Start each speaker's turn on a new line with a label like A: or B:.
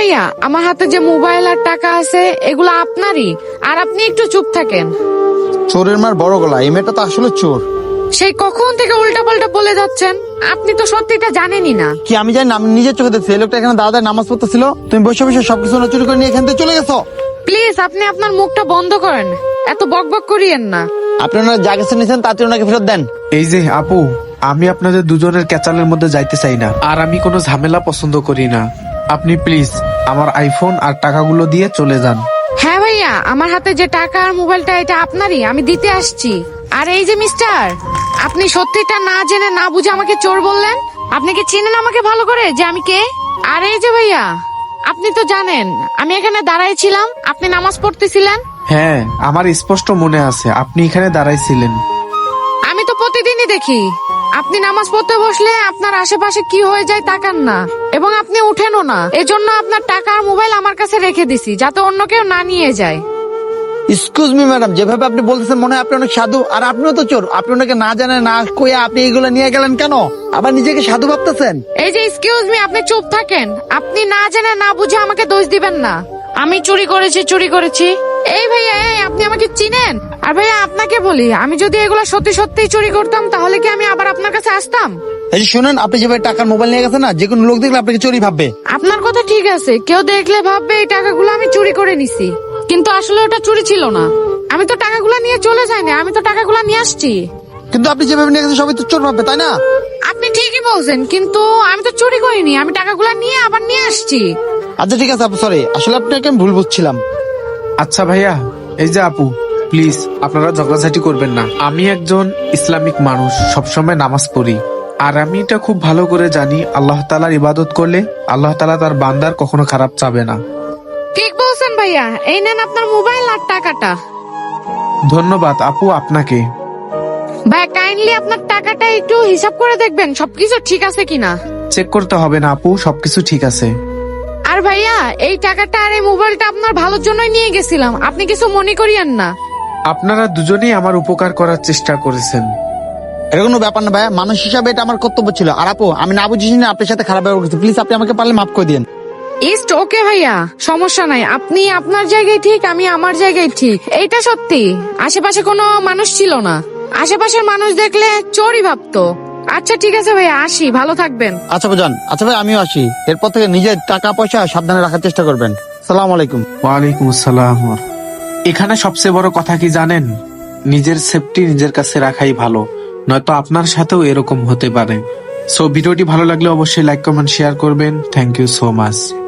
A: ভাইয়া, আমার হাতে যে মোবাইল আর টাকা আছে এগুলো আপনারই, আর আপনি একটু চুপ থাকেন।
B: চোরের মার বড় গলা, এই মেয়েটা তো আসলে চোর।
A: সেই কখন থেকে উল্টা পাল্টা বলে যাচ্ছেন, আপনি তো সত্যিটা জানেনই না।
B: কি আমি জানি না? আমি নিজের চোখে দেখছি এই লোকটা এখানে দাদার নামাজ পড়তেছিল, তুমি বসে বসে সবকিছু চুরি করে নিয়ে এখান থেকে চলে গেছো।
A: প্লিজ আপনি আপনার মুখটা বন্ধ করেন, এত বকবক করিয়েন না।
B: আপনি ওনার যা কিছু নিয়েছেন তাতে ওনাকে ফেরত দেন।
C: এই যে আপু, আমি আপনাদের দুজনের ক্যাচালের মধ্যে যাইতে চাই না, আর আমি কোনো ঝামেলা পছন্দ করি না। আপনি প্লিজ আমার আইফোন আর টাকাগুলো দিয়ে চলে যান।
A: হ্যাঁ ভাইয়া, আমার হাতে যে টাকা আর মোবাইলটা এটা আপনারই, আমি দিতে আসছি। আর এই যে মিস্টার, আপনি সত্যিটা না জেনে না বুঝে আমাকে চোর বললেন। আপনি কি চিনেন আমাকে ভালো করে যে আমি কে? আর এই যে ভাইয়া, আপনি তো জানেন আমি এখানে দাঁড়াই ছিলাম, আপনি নামাজ পড়তেছিলেন।
C: হ্যাঁ, আমার স্পষ্ট মনে আছে আপনি এখানে দাঁড়াইছিলেন।
A: আমি তো প্রতিদিনই দেখি আপনি নামাজ পড়তে বসলে আপনার আশেপাশে কি হয়ে যায় তাকান না, এবং আপনি উঠেনও না। এজন্য আপনার টাকা আর মোবাইল আমার কাছে রেখে দিছি, যাতে অন্য কেউ না নিয়ে যায়।
B: এক্সকিউজ মি ম্যাডাম, যেভাবে আপনি বলতেছেন মনে হয় আপনি অনেক সাধু, আর আপনিও তো চোর। আপনি ওনাকে না জানেন না কইয়া আপনি এইগুলো নিয়ে গেলেন কেন? আবার নিজেকে সাধু ভাবতেছেন।
A: এই যে এক্সকিউজ মি, আপনি চুপ থাকেন। আপনি না জেনে না বুঝে আমাকে দোষ দিবেন না। আমি চুরি করেছি। এই ভাইয়া, এই আপনি আমাকে চিনেন? আর ভাইয়া আপনাকে বলি, আমি যদি এগুলো সত্যি সত্যি চুরি করতাম তাহলে কি আমি আবার আপনার কাছে আসতাম?
B: এই যে শুনেন, আপনি যেভাবে টাকার মোবাইল নিয়ে গেছেন না, যে কোনো লোক দেখলে আপনাকে চোরই ভাববে।
A: আপনার কথা ঠিক আছে, কেউ দেখলে ভাববে এই টাকাগুলো আমি চুরি করে নিছি, কিন্তু আসলে ওটা চুরি ছিল না। আমি তো টাকাগুলো নিয়ে চলে যাইনি, আমি তো টাকাগুলো নিয়ে আসছি।
B: কিন্তু আপনি যেভাবে নিয়ে গেছেন সবাই তো চোর ভাববে, তাই না?
A: আপনি ঠিকই বলছেন, কিন্তু আমি তো চুরি করিনি, আমি টাকাগুলো নিয়ে আবার নিয়ে আসছি।
B: আচ্ছা ঠিক আছে আপু, সরি, আসলে আপনাকে আমি ভুল বুঝছিলাম।
C: আচ্ছা ভাইয়া, এই যে আপু, প্লিজ আপনারা ঝগড়াঝাটি করবেন না। আমি একজন ইসলামিক মানুষ, সবসময় নামাজ পড়ি, আর আমি এটা খুব ভালো করে জানি আল্লাহ তাআলার ইবাদত করলে আল্লাহ তাআলা তার বান্দার কখনো খারাপ চাবে না।
A: ঠিক বলছেন ভাইয়া, এই নেন আপনার মোবাইল আর টাকাটা।
C: ধন্যবাদ আপু আপনাকে।
A: ভাই কাইন্ডলি আপনার টাকাটা একটু হিসাব করে দেখবেন সবকিছু ঠিক আছে কিনা।
C: চেক করতে হবে না আপু, সবকিছু ঠিক আছে।
A: আর ভাইয়া, এই টাকাটা আর এই মোবাইলটা আপনার ভালোর জন্যই নিয়ে গেছিলাম, আপনি কিছু মনে করিয়েন না।
C: আপনারা দুজনেই আমার উপকার করার চেষ্টা করেছেন।
B: এটা কোনো ব্যাপার না ভাই, মানুষ হিসাবে এটা আমার কর্তব্য ছিল। আর আপু, আমি না বুঝিনি না আপনার সাথে খারাপ ব্যবহার করছি, প্লিজ আপনি আমাকে পারলে মাফ করে দিন।
A: ইস্ট ওকে ভাইয়া, সমস্যা নাই। আপনি আপনার জায়গায় ঠিক, আমি আমার জায়গায় ঠিক, এইটা সত্যি। আশেপাশে কোনো মানুষ ছিল না, আশেপাশের মানুষ দেখলে চোরই ভাবতো। আচ্ছা ঠিক আছে ভাইয়া, আসি, ভালো থাকবেন।
B: আচ্ছা ভাইজান, আচ্ছা ভাই আমিও আসি। এরপর থেকে নিজের টাকা পয়সা সাবধানে রাখার চেষ্টা করবেন। সালাম আলাইকুম।
C: ওয়ালাইকুম আসসালাম। এখানে সবচেয়ে বড় কথা কি জানেন? নিজের সেফটি নিজের কাছে রাখাই ভালো, নয়তো আপনার সাথেও এরকম হতে পারে। সো ভিডিওটি ভালো লাগলে অবশ্যই লাইক কমেন্ট শেয়ার করবেন। Thank you so much.